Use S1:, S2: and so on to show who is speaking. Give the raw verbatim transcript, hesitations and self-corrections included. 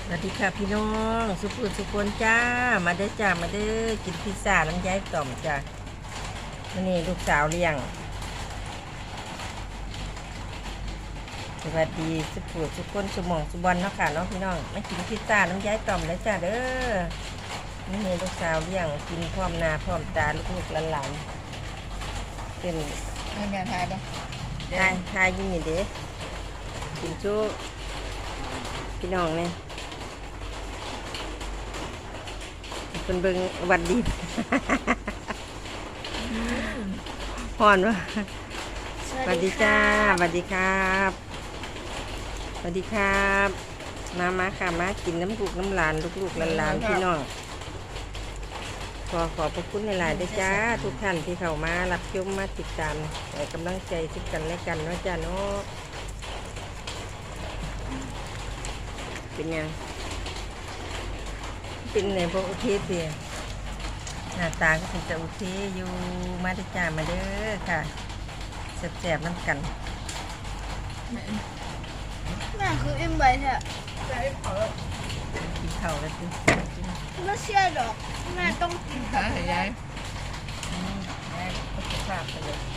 S1: สวัสดีค่ะพี่น้องสุขุมสุขคนจ้ามาเด้อจ้ามาเด้อกินพิซซ่าน้ำย้ายต่อมจ้าวันนี้ลูกสาวเลี้ยงสวัสดีสุขุมสุขคนสมองสุบอลเนาะค่ะเนาะพี่น้องมากินพิซซ่าน้ำย้ายต่อมเลยจ้าเด้อนี่นี่ลูกสาวเลี้ยงกินพร้อมหน้าพร้อมตาลูกๆหลานๆเป็น
S2: เงินเดือนไทยปะ
S1: ทายทายยิ่งนี่เด้กินชูพี่น้องเนี่ยเป็นเบิงวัดดี พอนวะสวัสดีจ้าสวัสดีครับสวัสดีครับมามาค่ะมากินน้ำลูกน้ำหลานลูกๆหลานๆพี่น้องขอขอบพระคุณหลายๆด้วยจ้าทุกท่านที่เข้ามารับชมมาติดตามให้กำลังใจซึ่งกันและกันเนาะจ้าเนาะเป็นยังเป็นในพวกโอเคเสียหน้าตาก็เป็นจะโอเคอยู่มาด้วยจ้ามาเด้อค่ะแซ่บๆน้ำกัน
S2: แม่คืออิ่มไปแท้
S1: กินข้าวแล้วสิ
S2: ไม่เชื่อหรอกแม่ต้องกิน
S3: หาให้ยาย
S1: อืมแม่ก็จะพาไปเลย